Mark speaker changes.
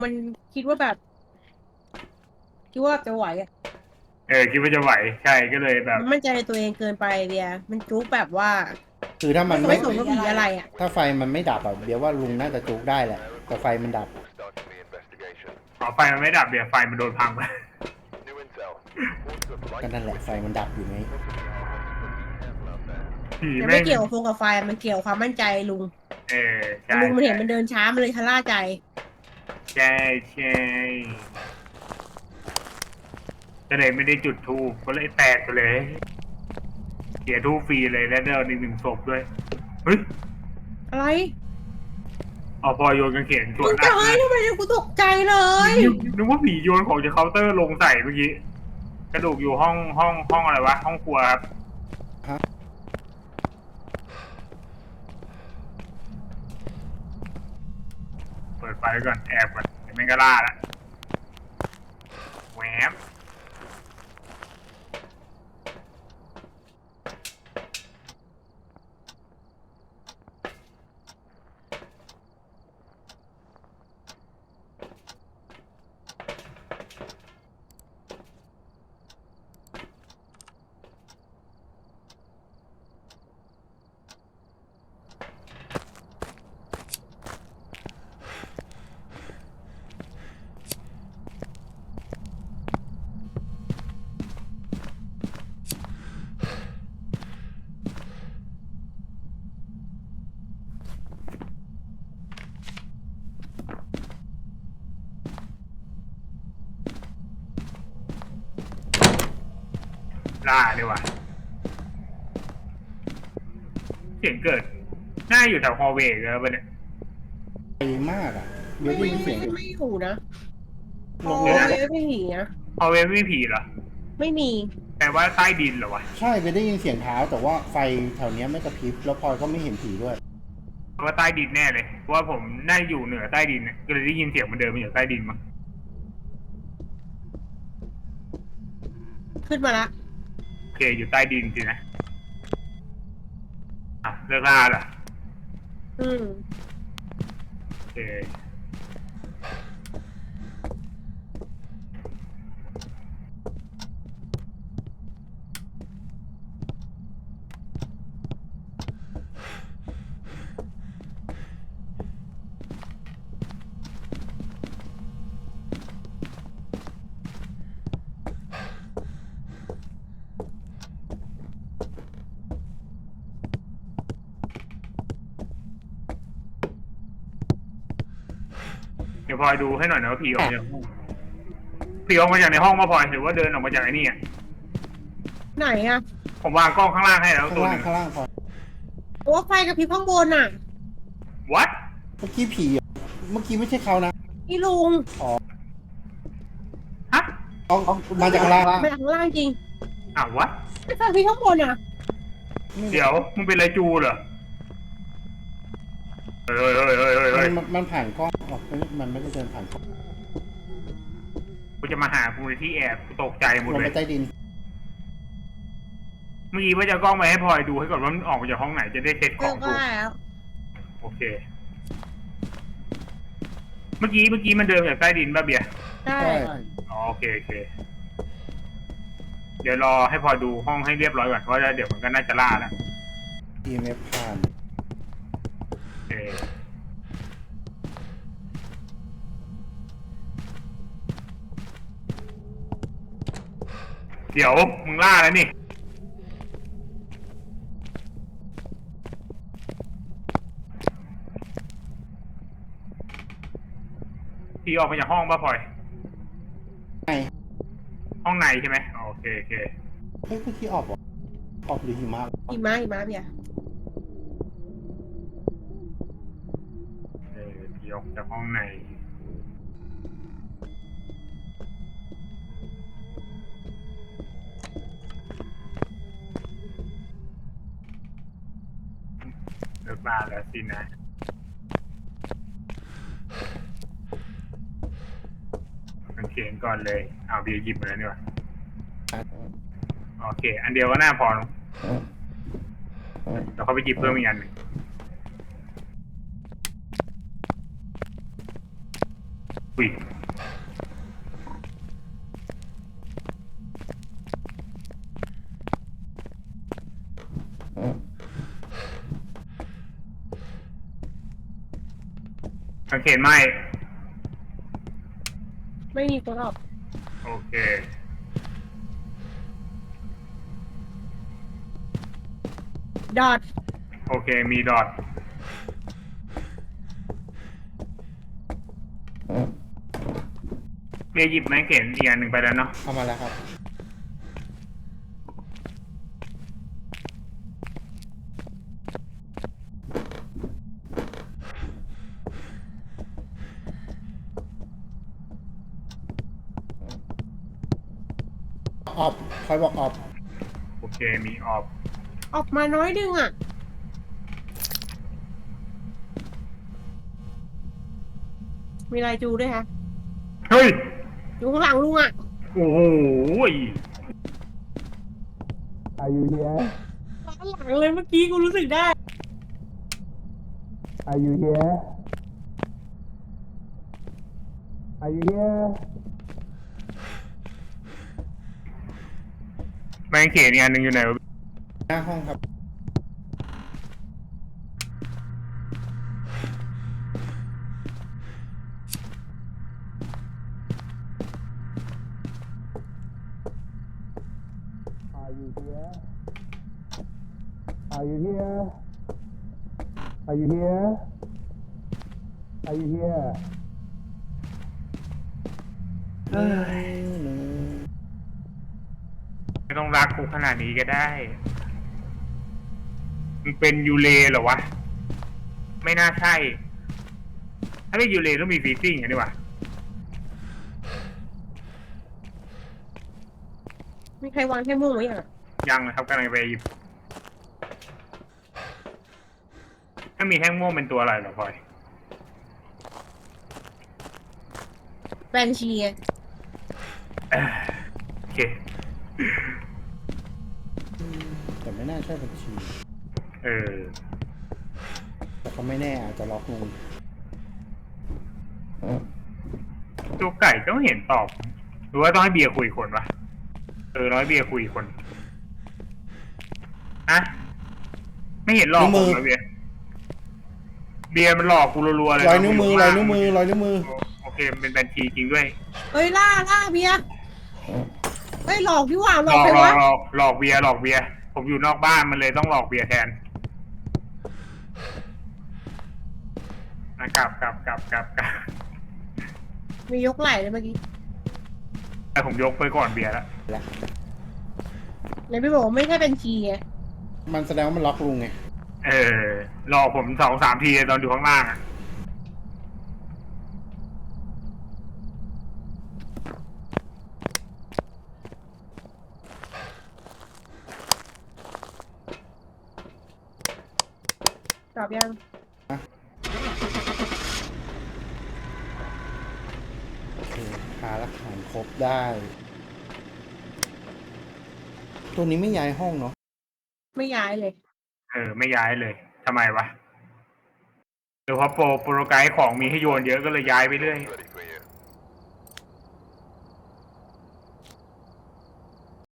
Speaker 1: มันคิดว่าแบบคิดว่าจะไหวอ่ะ
Speaker 2: คิดว่าจะไหวใช่ก็เลยแบบ
Speaker 1: มันมั่นใจในตัวเองเกินไปเบียร์มันจุกแบบว่า
Speaker 3: คือถ้ามันไม่
Speaker 1: ไม่สนว่าผีอะไรอ่ะ
Speaker 3: ถ้าไฟมันไม่ดับอ่ะเดี๋ยวว่าลุงน่าจะจุกได้แหละแต่ไฟมันดับ
Speaker 2: ขอไฟมันไม่ดับเดี๋ยวไฟมันโดนพังไป
Speaker 3: ก็นั่นแหละไฟมันดับอยู่ไง
Speaker 2: ผี
Speaker 1: แต่ไม่
Speaker 2: แม่ง
Speaker 1: เกี่ยวกับโฟกับไฟมันเกี่ยวความมั่นใจลุง
Speaker 2: ใช่
Speaker 1: ลุงมัน
Speaker 2: ใช่
Speaker 1: เห็นมันเดินช้ามันเลยชะล่าใจ
Speaker 2: ใช่ใช่ก็เลยไม่ได้จุดธูปก็เลยแตกไปเลยเสียธูปฟรีเลยแล้วเดินอีกหนึ่งศพด้วยเฮ้ย
Speaker 1: อะไร
Speaker 2: เอาพอโยนกางเขนส
Speaker 1: มึงจะ
Speaker 2: วนอัดเลย
Speaker 1: เฮ้ยทำไมกูตกใจเลย
Speaker 2: นึกว่าผีโยนของจากเคาน์เตอร์ลงใส่เมื่อกี้กระดูกอยู่ห้องอะไรวะห้องครัวครับ
Speaker 3: ฮะ
Speaker 2: เปิดไฟก่อนแอบก่อนเดี๋ยวไม่ก็ล่าละแหวมล่าดีกว่าเสียงเกิดน่าอยู่แถวฮอลล์เวย์เลยปะเนี่ย
Speaker 3: ไฟมากอ่ะเดี๋ย
Speaker 1: ไม่
Speaker 3: วได้ยินเสียง
Speaker 1: ไม่อยู่นะ
Speaker 3: ลง
Speaker 1: โอ้
Speaker 3: รถ
Speaker 1: ยไม่ผีนะ
Speaker 2: ฮอลล์เวย์ไม่มีผีเหรอ
Speaker 1: ไม่มี
Speaker 2: แต่ว่าใต้ดินเหรอวะ
Speaker 3: ใช่ไปได้ยินเสียงเท้าแต่ว่าไฟแถวเนี้ยไม่กระพริบแล้วพลอยก็ไม่เห็นผีด้วย
Speaker 2: เพราะว่าใต้ดินแน่เลยเพราะว่าผมน่าอยู่เหนือใต้ดินเนี่ยก็เลยได้ยินเสียงมันเดินมาอยู่ใต้ดินมั้ง
Speaker 1: ขึ้นมาละ
Speaker 2: โอเคอยู่ใต้ดินสินะเลิกล่าเหรอ
Speaker 1: อืม
Speaker 2: โอเคเดี๋ยวพลอยดูให้หน่อยนะว่าผีออกมาจากห้องผีออกมาจากในห้องมาพลอยหรือว่าเดินออกมาจากไอ้นี่
Speaker 1: ไหนอะ
Speaker 2: ผมวางกล้องข้างล่างให้แล้ว
Speaker 3: ข้าง
Speaker 2: ตัวหนึ่ง
Speaker 3: ล่างข้างล่างพลอย
Speaker 1: โอ้ไฟกับพริบข้างบนอะ
Speaker 2: วัด
Speaker 3: เมื่อกี้ผีอะเมื่อกี้ไม่ใช่เขานะ
Speaker 1: นี่ลุง
Speaker 2: ฮะ
Speaker 3: เอามาจากข้างล่าง
Speaker 1: มาจากข้างล่างจริง
Speaker 2: วัด
Speaker 1: ไม่ไฟพริบข้างบนอะ
Speaker 2: เดี๋ยวมึงเป็นไรจูเหรอเฮ้ย
Speaker 3: มันผ่านกล้องออกมันไม่ได้เดินผ่านกล้อง
Speaker 2: กูจะมาหากูในที่แอบกูตกใจหมด
Speaker 3: ลง
Speaker 2: เล
Speaker 3: ไป
Speaker 2: ย
Speaker 3: ใต้ดิน
Speaker 2: เมื่อกี้ว่าจะกล้องไปให้พลอยดูให้ก่อนว่ามันออกมาจากห้องไหนจะได้เซ็ตข
Speaker 1: เลิ
Speaker 2: องถูก
Speaker 1: กได้แล้ว
Speaker 2: โอเคเมื่อกี้มันเดินจากใต้ดินป่ะเบียร์
Speaker 1: ได้
Speaker 3: ใช่
Speaker 2: โอเคโอเคเดี๋ยวรอให้พลอยดูห้องให้เรียบร้อยก่อนเพราะว่าเดี๋ยวมันก็น่าจะล่าแล้ว
Speaker 3: EMF ผ่าน
Speaker 2: โอเคเดี๋ยวมึงล่าแล้วนี่พี่ออกมาจากห้องป่ะพลอย
Speaker 3: ไง
Speaker 2: ห้องในใช่ไหมโอเคโอเค
Speaker 3: เฮ้ยเมื่อกี้ออกเหรอออกหรือหิมะ
Speaker 1: หิมะเบียร์
Speaker 2: พี่ออกจากห้องในเลิกล่าแล้วสินะมันเขียนก่อนเลยเอาเบียร์หยิบมาแล้วนี่วะโอเคอันเดียวก็น่าพอแล้วเขาไปหยิบเพิ่มอีกอันหนึ่งอุ้ยสังเกตไหม
Speaker 1: ไม่มีคนออก
Speaker 2: โอเค
Speaker 1: ดอท
Speaker 2: โอเค มีดอทเบียร์หยิบไม้เขียนอีกอันหนึ่งไปแล้วเนาะ
Speaker 3: เอามาแล้วครับออบคอยบอกออบ
Speaker 2: โอเค มีออฟ
Speaker 1: ออกมาน้อยดึงอ่ะ มีลายจูด้วยฮะ
Speaker 2: เฮ้ย
Speaker 1: อยู่ข้างหลังลุงอ่ะ
Speaker 2: โอ้โห
Speaker 3: Are you here
Speaker 1: ข้างหลังเลยเมื่อกี้กูรู้สึกได้
Speaker 3: Are you here Are you here
Speaker 2: ไม้เขียนอีกอันหนึ่งอยู่ไหนวะ
Speaker 3: หน้าห้องครับ Are you here Are you here Are you here Are you here
Speaker 2: ไม่ต้องรักกูขนาดนี้ก็ได้ มันเป็นยูเลเหรอวะ ไม่น่าใช่ ถ้าเป็นยูเลต้องมีฟีซิ่งอย่างนี้วะ
Speaker 1: มีใครวางแค่ม่วงไว้ยังอ่ะ
Speaker 2: ยังนะครับกำลังไปหยิบถ้ามีแท่งม่วงเป็นตัวอะไรเหรอพลอย
Speaker 1: แบนชีไง
Speaker 2: โอเค
Speaker 3: แต่ไม่น่าใช่บัญชี
Speaker 2: เออ
Speaker 3: แต่ก็ไม่แน่อาจจะล็อกลง
Speaker 2: ตัวไก่ก็ไม่เห็นตอบ หรือว่าต้องให้เบียร์คุยคนวะร้อยเบียร์คุยคนอะไม่เห็นหลอกผมนะเบียร์มันหลอกกูรัวๆเลย
Speaker 3: รอยนิ้วมือรอยนิ้วมือรอยนิ้วมือ
Speaker 2: โอเคมันเป็นบัญชีจริงด้วย
Speaker 1: เฮ้ยล่าเบียร์เฮ้ยหลอกพี่หว่าห
Speaker 2: ห
Speaker 1: ล
Speaker 2: ล
Speaker 1: อก
Speaker 2: อก
Speaker 1: ใคร
Speaker 2: หลอ
Speaker 1: วะ
Speaker 2: กหลอกเบียร์ผมอยู่นอกบ้านมันเลยต้องหลอกเบียร์แทนกลับ
Speaker 1: มียกไหล่เลยเมื่อกี้
Speaker 2: แต่ผมยกไปก่อนเบียร์แล้ว
Speaker 3: แล้ว
Speaker 1: เลยพี่บอกว่าไม่ใช่บัญชีไง
Speaker 3: มันแสดงว่ามันล็อกลุงไง
Speaker 2: หลอกผม2-3 ทีตอนอยู่ข้างล่างอ่ะ
Speaker 1: ตอบยัง
Speaker 3: โอเคหาหลักฐานครบได้ ตัวนี้ไม่ย้ายห้องเนาะ
Speaker 1: ไม่ย้ายเลย
Speaker 2: ไม่ย้ายเลยทำไมวะหรือเพราะโปรไกด์ของมีให้โยนเยอะก็เลยย้ายไปเรื่อย
Speaker 4: Ready for you.